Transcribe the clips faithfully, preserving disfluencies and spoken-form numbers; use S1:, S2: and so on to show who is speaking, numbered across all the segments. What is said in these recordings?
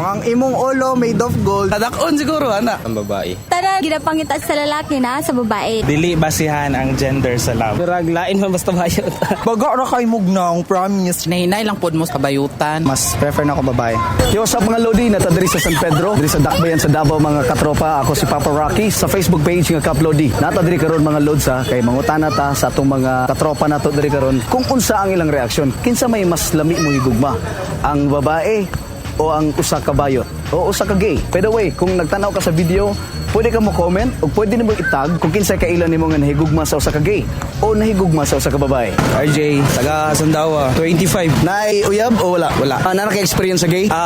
S1: Ang imong ulo made of gold.
S2: Tadakon siguro, ana.
S3: Ang babae.
S4: Tara, ginapangita sa lalaki na sa babae.
S5: Dili basihan ang gender sa love.
S2: Durag lain man basta bayot.
S1: Baga ra kay mugnang, promise.
S2: Nahinay lang pod mo sa kabayutan.
S1: Mas prefer na ako babae. Yo, what's up mga Lodi? Nata diri sa San Pedro, diri sa Dakbayan sa Davao mga katropa. Ako si Papa Rocky sa Facebook page nga Kap Lodi. Nata diri karon mga Lods ha, kay mangutana ta sa atong mga katropa nato diri karon kung unsa ang ilang reaksyon. Kinsa may mas lami mo higugma? Ang babae o ang usa ka bayot o usa ka gay? By the way, kung nagtanaw ka sa video, pwede ka mo comment o pwede nimo itag kung kinsa ka ilan nimo nga nahigugma sa usa ka gay o nahigugma sa usa ka babae.
S2: R J, taga Sandawa, twenty-five.
S1: Nay uyab o wala?
S2: Wala.
S1: Ah, na ka-experience sa gay?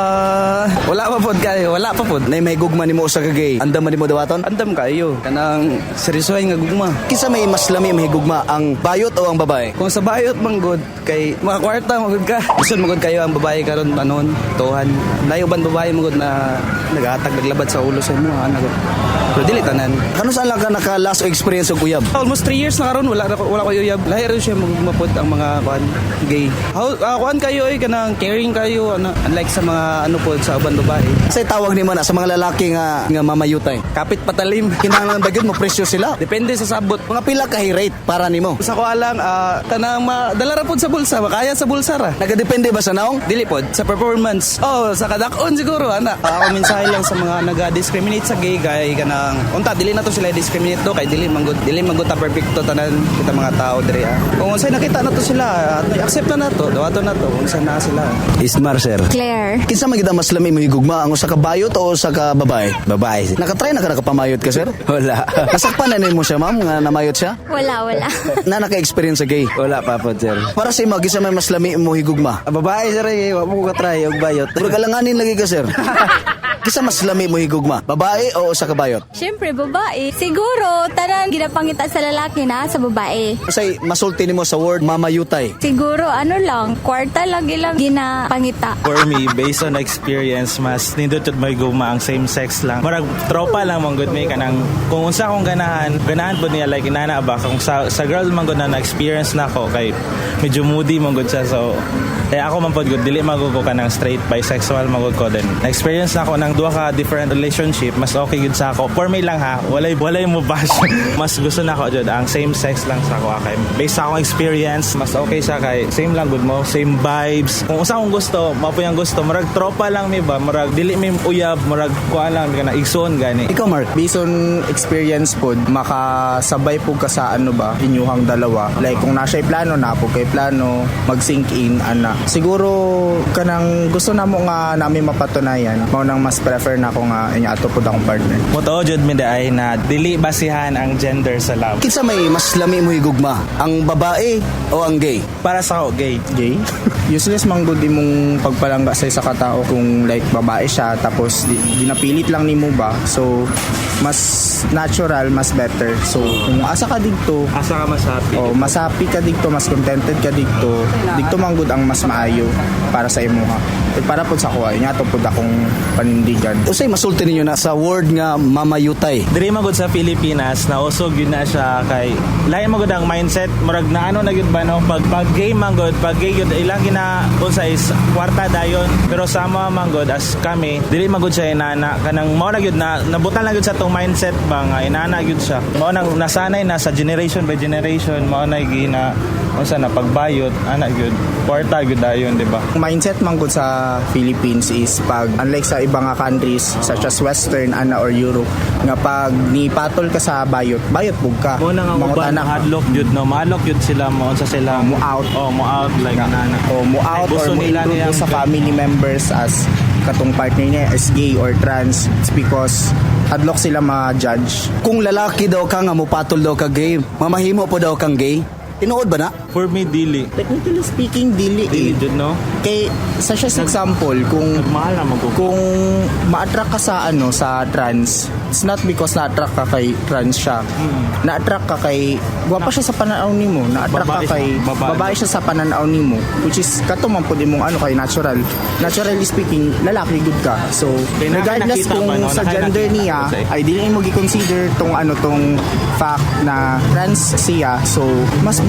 S2: Ah, wala pa pod kayo, wala pa pod.
S1: Nay mahigugma nimo usa ka gay. Andam man nimo dawaton?
S2: Andam kayo. Kanang seryosoy nga gugma.
S1: Kinsa may mas lami mahigugma, ang bayot o ang babae?
S2: Kung sa bayot manggod kay mga kwarta magud ka. Gusto magud kayo ang babae karon anon, tuhan. Layo ban babae magud na nagahatag naglabad sa ulo sa imo ana gud. Pero dili tanan.
S1: Kano saan lang ka naka last experience og uyab?
S2: Almost three years na karon wala na- wala ko yuyab. Lahi rin siya magmapod ang mga kuan gay. How uh, kuan kayo ay kanang caring kayo ana unlike sa mga ano pod sa uban babae.
S1: Say tawag nimo na sa mga lalaki nga nga mamayutay.
S2: Kapit patalim.
S1: Kinahanglan ba gyud mo presyo sila?
S2: Depende sa sabot.
S1: Mga pila ka rate para nimo?
S2: Sa ko alang ah, tanang madala ra pod sa bulsa, makaya sa bulsa ra.
S1: Nagadepende ba sa naong?
S2: Dili pod sa performance. Oh, sa kadakon siguro ana. Ako mensahe lang sa mga naga-discriminate sa gay kay kanang unta dili na to sila discriminate do kay dili manggod dili manggod ta perfecto tanan kita mga tao diri ah. Kung unsay nakita na to sila, at may accept na nato, dawato na to kung saan na sila.
S1: Ismar sir.
S4: Claire.
S1: Kinsa man gid ang mas lami mo higugma, ang usa ka bayot o usa ka babae?
S3: Babae.
S1: Nakatry na ka nakapamayot ka sir?
S3: Wala.
S1: Nasakpan na nimo siya ma'am nga namayot siya?
S4: Wala, wala.
S1: Na naka-experience sa gay?
S3: Wala pa po, sir.
S1: Para sa imo kinsa may mas lami mo higugma?
S3: Ang babae, sir, eh. Wala mo ko try. Yung bayot.
S1: Puro kalanganin lagi ka sir. Kinsa mas lami mo higugma? Babae o usa ka bayot?
S4: Siyempre, babae. Siguro, tara, ginapangita sa lalaki na sa babae.
S1: Say masulti nimo sa word mamayutay.
S4: Siguro, ano lang, kwarta lagi lang ginapangita.
S5: For me, based on experience, mas nindot at may guma ang same sex lang. Marag tropa lang mong good may kanang kung unsa akong ganahan, ganahan po niya like inana ba kung sa, sa girl man good na na-experience na ako kay medyo moody mong good siya so kaya ako man po good dili magud ko kanang straight bisexual magud ko din. Na-experience na ako ng duha ka different relationship, mas okay gud sa ako. For me lang ha, walay walay mo bash. Mas gusto na ako jud ang same sex lang sa ako kay based sa akong experience, mas okay siya kay same lang good mo, same vibes. Kung unsa akong gusto, mao po yung gusto. Murag tropa lang mi ba, murag dili mi uyab, murag kuan lang kana igsoon gani.
S1: Ikaw Mark,
S6: Based on experience po, makasabay po ka sa ano ba, inyuhang dalawa. Like kung nasa plano na po kay plano, mag-sink in, ana. Siguro kanang gusto na mo nga namin mapatunayan, mao nang mas prefer na ako nga inya ato po akong partner.
S5: Moto jud mi day na dili basihan ang gender sa love.
S1: kinsa may mas lami mo higugma? Ang babae o ang gay?
S5: Para sa ako gay.
S6: Gay? Useless man gud imong pagpalangga sa isa ka tao kung like babae siya tapos di, ginapilit lang nimo ba. So mas natural, mas better. So kung asa ka dito,
S5: Asa ka mas happy?
S6: oh, mas happy ka dito, mas contented ka dito. Dito man gud ang mas maayo para sa imo ha. Eh, para po sa kuha, nga to po akong panindigan.
S1: Usay masulti ninyo na sa word nga mamayutay.
S5: Diri magud sa Pilipinas na usog yun na siya kay lain magud ang mindset murag na ano na gyud ba no pag pag gay magud pag gay gyud ilang gina unsa is kwarta dayon pero sama magud as kami dili magud siya inana kanang mao na gyud na nabutan lang gyud sa tong mindset ba nga inana gyud siya mao nang nasanay na sa generation by generation mao na gina unsa na pagbayot ana gyud kwarta gyud dayon di ba.
S6: Mindset man gud sa Philippines is pag unlike sa ibang nga countries such as Western ana or Europe nga pag nipatol ka sa bayot, bayot pug ka.
S5: Mo na nga uban
S6: Mangutana ka.
S5: hadlock jud no mahadlok jud sila mo unsa sila
S6: mo out.
S5: oh mo out like nana
S6: O mo out or
S5: gusto
S6: mo
S5: nila
S6: include
S5: niyang-
S6: sa family members as katong partner niya is gay or trans. It's because hadlock sila ma-judge.
S1: Kung lalaki daw ka nga mupatol daw ka gay, mamahimo po daw kang gay. Tinuod ba na?
S5: for me dili
S6: Technically speaking, dili
S5: dili
S6: eh.
S5: jud no
S6: Kay, such as example, kung
S5: nagmahal na magko
S6: kung ma-attract ka sa ano sa trans, it's not because na-attract ka kay trans siya. Na-attract ka kay gwapa siya sa pananaw nimo, na-attract
S5: Babae
S6: ka kay
S5: siya, babae.
S6: babae siya sa pananaw nimo, which is kato man pud imong ano kay natural. Naturally speaking, lalaki good ka. So,
S5: Kay naka-
S6: regardless
S5: nakita
S6: kung
S5: ba, no?
S6: sa
S5: Naka-
S6: gender
S5: nakita
S6: niya,
S5: ko sa-
S6: ay dili mo gi-consider tong ano tong fact na trans siya. So, mas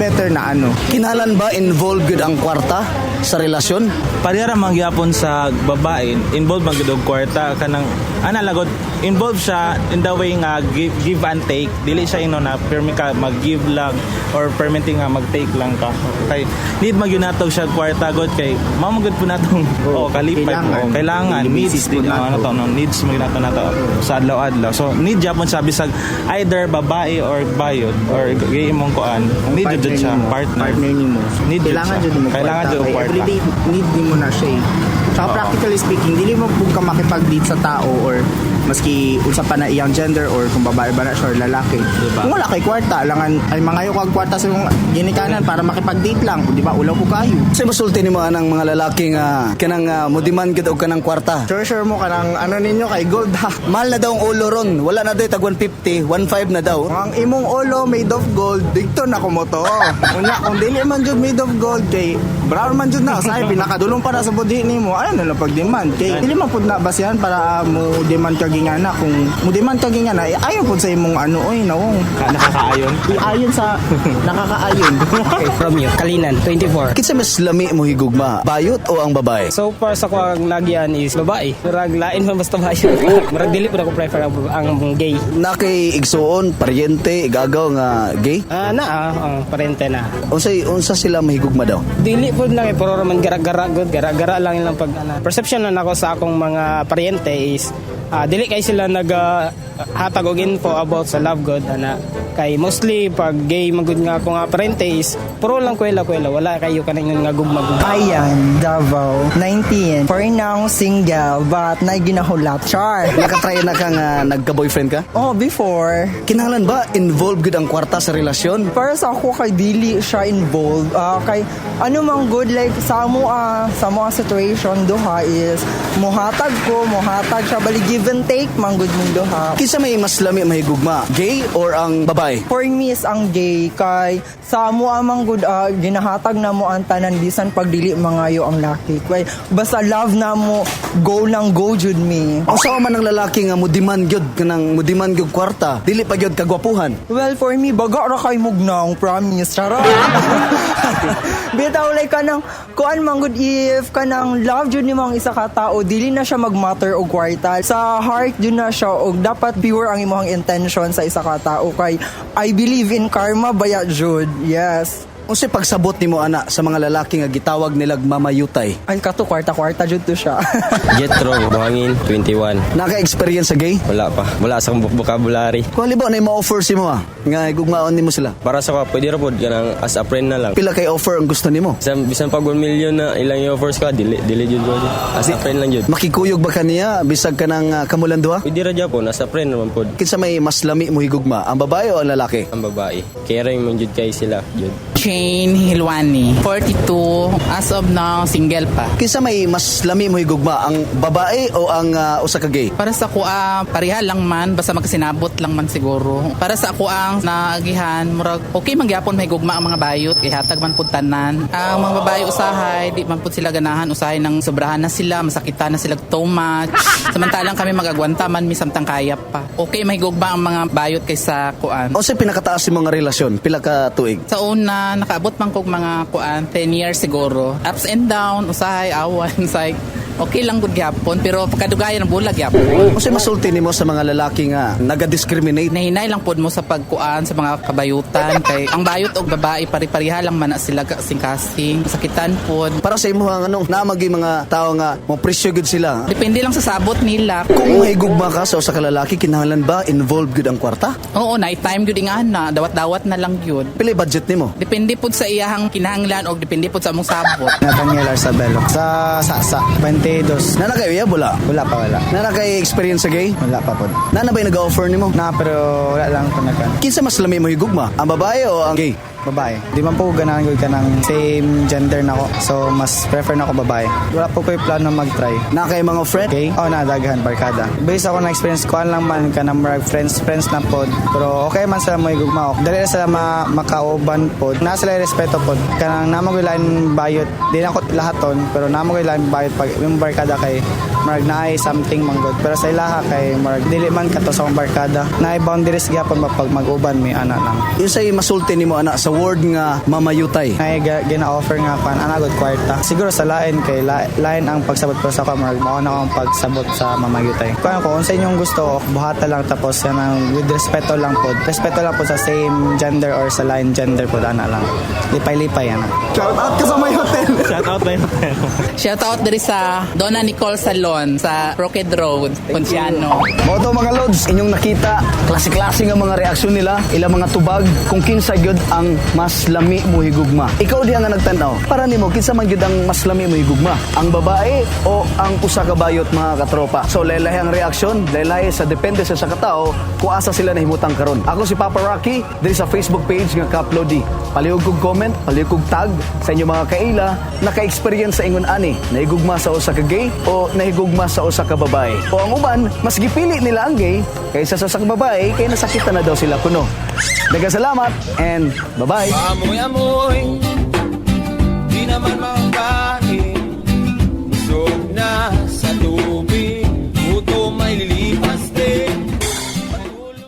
S6: better na ano.
S1: Kinahanglan ba involved gud ang kwarta sa relasyon?
S5: Parehara mangyapon sa babae, involved man gud og kwarta kanang ana lagot involved siya in the way nga give, give and take. Dili siya ino na permi ka mag-give lang or permitting nga mag-take lang ka. Kay need magyunatog siya kwarta god kay mamagod po natong oh, kalipay
S6: kailangan.
S5: oh, kailangan
S6: Limited
S5: needs
S6: po
S5: din
S6: nato.
S5: ano to no needs mo nato nato sa adlaw-adlaw. So need japon sa bisag either babae or bayod or gay imong kuan. Need
S6: Partner
S5: jud siya
S6: nimo,
S5: partner.
S6: partner nimo.
S5: Need jud
S6: Kailangan
S5: siya.
S6: jud mo
S5: Kailangan jud og
S6: Kay
S5: kwarta.
S6: everyday need din mo na siya eh. Tsaka practically speaking, dili mo po ka makipag-date sa tao or maski unsa pa na iyang gender or kung babae ba na siya or lalaki.
S5: Diba?
S6: Kung wala kay kwarta, langan ay mangayo kag kwarta sa imong ginikanan para makipag-date lang, di ba? Ulaw ko kayo.
S1: Kasi masulti nimo anang mga lalaki nga kanang uh, mudiman gid og kanang kwarta.
S6: Sure sure mo kanang ano ninyo kay gold ha.
S1: Mahal na daw ang ulo ron. Wala na daw tag one fifty, one five na daw.
S6: Ang imong ulo made of gold, dito na ko mo to. Unya kung dili man jud made of gold kay brown man jud na say pinakadulong para sa budhi nimo. Ayun na lang pag-demand kay dili man pud na basihan para uh, mo demand kag ingana kung mo demand kag ingana eh, ayon pud sa imong ano oy nawong
S5: Ka- nakakaayon.
S6: ayon sa nakakaayon.
S3: From you, Kalinan, twenty-four.
S1: Kinsa mas lami mo higugma, bayot o ang babae?
S3: So far sa kuang lagian is babae. Murag lain man basta bayot. Murag dili po ako prefer ang, ang gay.
S1: Na kay igsuon, paryente, igagaw nga gay?
S3: Ah, na ah, ang parente na.
S1: Unsay unsa sila mahigugma daw?
S3: Dili po lang eh, puro man gara-gara good, gara-gara lang ilang pag ana. Perception na nako sa akong mga paryente is ah, dili kay sila nag ah, hatag og info about sa love god ana. Kay mostly pag gay magud nga ako nga parente is puro lang kwela-kwela, wala kayo kaning nga gugma-gugma.
S7: Ayan, Davao, nineteen. For now, single, but na ginahulat. Char.
S1: Nakatry na ka nga nagka-boyfriend ka?
S7: Oh, before.
S1: Kinahanglan ba involved gud ang kwarta sa relasyon?
S7: Para sa ako, kay dili siya involved. Ah, kay ano mang good, like, sa mo, ah, sa mo situation, duha is, muhatag ko, muhatag siya, bali give and take, mang good mong duha.
S1: Kinsa may mas lami mahigugma, gay or ang babae?
S7: For me is ang gay, kay sa mo amang good, ah, ginahatag na mo ang tanan, bisan pagdili mangayo ang laki. Kay basta love na mo, go lang go jud me.
S1: Usa man ang lalaki nga mudiman gyud kanang mudiman gyud kwarta, dili pa gyud kagwapuhan.
S7: Well, for me, baga ra kay mugnang, promise. Charot. Bitaw, like, kanang, kuan man good if, kanang love jud ni mga isa ka tao, dili na siya mag-matter og kwarta. Sa heart, jud na siya, og dapat pure ang imong intention sa isa ka tao. Kay, I believe in karma, baya jud. Yes.
S1: Unsay pagsabot nimo ana sa mga lalaki nga gitawag nilag mamayutay?
S7: Ay, kato, kwarta-kwarta jud to siya.
S3: Jetro, Buhangin, twenty-one.
S1: Naka-experience sa gay?
S3: Wala pa. Wala sa akong vocabulary.
S1: Kung halimbawa na ma-offer si mo ah, nga higugmaon nimo sila.
S3: Para sa ka, pwede ra pod kanang as a friend na lang.
S1: Pila kay offer ang gusto nimo?
S3: Bisan, bisan pag one million na ilang i-offers ka, dili, dili jud ko. As a friend lang jud.
S1: Makikuyog ba kaniya bisag kanang uh, kamulan duha?
S3: Pwede ra Japon, as a friend naman pod.
S1: Kinsa may mas lami mo higugma, ang babae o ang lalaki?
S3: Ang babae. Caring man jud kay sila, jud.
S8: Jane Hilwani, forty-two. As of now, single pa.
S1: Kinsa may mas lami mo higugma, ang babae o ang uh, usa ka gay?
S8: Para sa kuha, pareha lang man, basta magkasinabot lang man siguro. Para sa ako ang naagihan, murag, okay mangyapon may gugma ang mga bayot, ihatag man pud tanan. Ang mga babae usahay, di man pud sila ganahan, usahay ng sobrahan na sila, masakitan na sila too much. Samantalang kami magagwanta man, mi samtang kaya pa. Okay may gugma ang mga bayot kaysa kuan.
S1: O sa pinakataas yung mga relasyon, pila ka tuig?
S8: Sa una, nakaabot man kog mga kuan, ten years siguro. Ups and down, usahay, awan, say, okay lang gud gyapon, pero pagkadugayan ng bulag gyapon.
S1: O sa masulti nimo sa mga lalaki nga naga-discriminate?
S8: Nahinay lang pod mo sa pagkuan sa mga kabayutan kay ang bayot og babae pari-pareha lang man na sila kasing-kasing sakitan pod.
S1: Para sa imo ang anong namagi mga tao nga mo presyo gud sila.
S8: Depende lang sa sabot nila.
S1: Kung mahigugma ka sa usa ka lalaki, kinahanglan ba involved gud ang kwarta?
S8: Oo, night time gyud nga na, dawat-dawat na lang gyud.
S1: Pila budget nimo?
S8: Depende pod sa iyahang kinahanglan og depende pod sa among sabot.
S6: Nathaniel Arsabelo. Sa Sasa, twenty-two.
S1: Nana kay iya wala.
S6: Wala pa wala.
S1: Nana kay experience sa gay?
S6: Wala pa po.
S1: Nana ba nag-offer nimo?
S6: Na pero wala lang panakan.
S1: Kinsa mas lami mo higugma, ang babae o ang gay?
S6: Babae. Di man po ganahan ko ka ng same gender na ko. So, mas prefer na ako babae. Wala po ko yung plano mag-try.
S1: Na kay mga friend?
S6: Okay? Oh, na, daghan, barkada. Based ako na experience ko, lang man ka na marag friends, friends na pod. Pero okay man sila mo igugma ako. Dali na sila ma makauban pod. Na sila respeto pod. Kanang namagilan bayot. Di na ako lahat ton, pero namagilan bayot pag yung barkada kay
S2: marag naay something manggod. Pero sa ilaha kay marag dili man kato sa akong barkada. Naay boundaries gyapon mapag mag-uban mi ana lang.
S1: Yung sa'y masulti ni mo ana sa word nga mamayutay.
S2: Naay ga- gina-offer nga kan ana gud kwarta. Siguro sa lain kay la- lain ang pagsabot ko sa ka marag mao na akong pagsabot sa mamayutay. Kung kung unsa inyong gusto, buhata lang tapos yan ang with respeto lang po. Respeto lang po sa same gender or sa lain gender po ana lang. Lipay-lipay ana.
S1: Shout out ka sa may hotel.
S5: Shout out na yun.
S8: Shout out diri sa Donna Nicole Salon sa Rocket Road, Ponciano.
S1: Mo to mga lods, inyong nakita, klase-klase nga mga reaksyon nila, ilang mga tubag, kung kinsa gyud ang mas lami mo higugma. Ikaw diha nga nagtan-aw, para nimo kinsa man gyud ang mas lami mo higugma? Ang babae o ang usa ka bayot mga katropa? So laylay ang reaksyon, laylay sa depende sa sa katao kung asa sila nahimutang karon. Ako si Papa Rocky, diri sa Facebook page nga Kap Lodi. Palihog kog comment, palihog kog tag sa inyong mga kaila naka-experience sa ingon ani, nahigugma sa usa ka gay o nahigugma sa usa ka babae. O ang uban, mas gipili nila ang gay kaysa sa usa ka babae kay nasakitan na daw sila kuno. Daghang salamat and bye-bye.
S9: Amoy-amoy, di naman ma